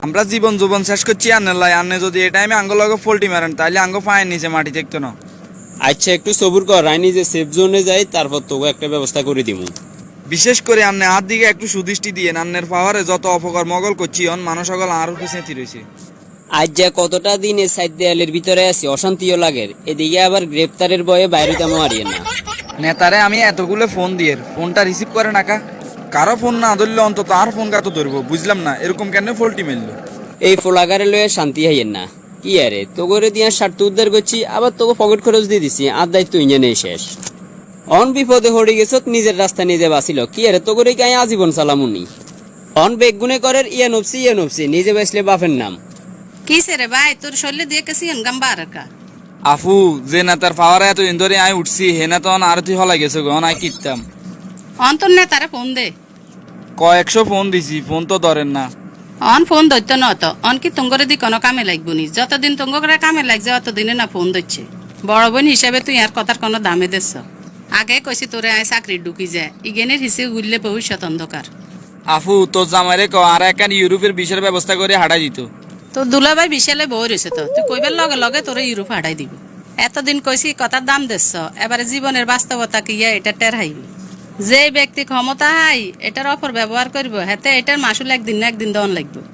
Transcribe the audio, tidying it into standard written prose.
আমরা জীবন জীবন শেষ করছি আন্নের লাই। আন্নে যদি এই টাইমে আঙ্গ লগে ফল্টি মারেন তাহলে আঙ্গ পায়ের নিচে মাটি দেখতো না। আচ্ছা একটু সবুর কর, রাইনি যে সেফ জোনে যাই, তারপর তোকে একটা ব্যবস্থা করে দিমু। বিশেষ করে আন্নে হাত দিকে একটু সুদৃষ্টি দিয়ে আন্নের পাওয়ারে যত অপকার মগল করছি অন মানুষ সকল আর পিছিয়ে রয়েছে। আজ যা কতটা দিন এর সাইড দেয়ালের ভিতরে আছি, অশান্তিও লাগে। এদিকে আবার গ্রেপ্তারের ভয়ে বাইরে তেমন হারিয়ে না। নেতারে আমি এতগুলো ফোন দিয়ে ফোনটা রিসিভ করে নাকা, কারো ফোন না ধরলে অন্তত আর ফোন কাতো ধরবো। বুঝলাম না এরকম কেন ফল্টি মেললো। এই ফোলাগারে লয়ে শান্তি হাইয়েন না। কি আরে তোগরে দিয়া স্বার্থ উদ্ধার করছি, আবার তোকে পকেট খরচ দিয়ে দিছি, আর দায়িত্ব ইঞ্জে নেই শেষ। অন বিপদে হড়ে গেছ, নিজের রাস্তা নিজে বাঁচিল। কি আরে তোগরে গায়ে আজীবন সালামুনি। অন বেগুনে করের ইয়া নফসি নিজে বাঁচলে বাপের নাম। কিসে রে ভাই, তোর শরীরে দিয়ে কেসি গাম্বা আর কা আফু যে নেতার পাওয়ারে এতদিন ধরে আমি উঠছি হে না তো আরতি হলা গেছে গো, আই কিতাম অন্তর নে তারা ফোন দে। কয়েকশো ফোন দিছি, ফোন তো ধরেন না। অন ফোন ধরতো ন তো অন কি তুঙ্গরে দি কোনো কামে লাগবো নি? যতদিন তুঙ্গরে কামে লাগছে অতদিনে না ফোন ধরছে। বড় বোন হিসাবে তুই আর কথার কোনো দামে দিস। আগে কইছি তোরে আয় চাকরি ঢুকি যায়, ইগেনের হিসেবে গুললে ভবিষ্যৎ অন্ধকার। আফু তোর জামাইরে ক আর একখান ইউরোপের বিষয়ের ব্যবস্থা করে হাঁটাই দিত। তোর দুলাভাই বিশালে বই রয়েছে তো, তুই কইবার লগে লগে তোরে ইউরোপ হাঁটাই দিব। এতদিন কইছি কথার দাম দিস, এবারে জীবনের বাস্তবতা কি এটা টের হাইবি। যে ব্যক্তি ক্ষমতা হাই এটার অপর ব্যবহার করবো, হাতে এটার মাসুল একদিন না একদিন দন লাগবে।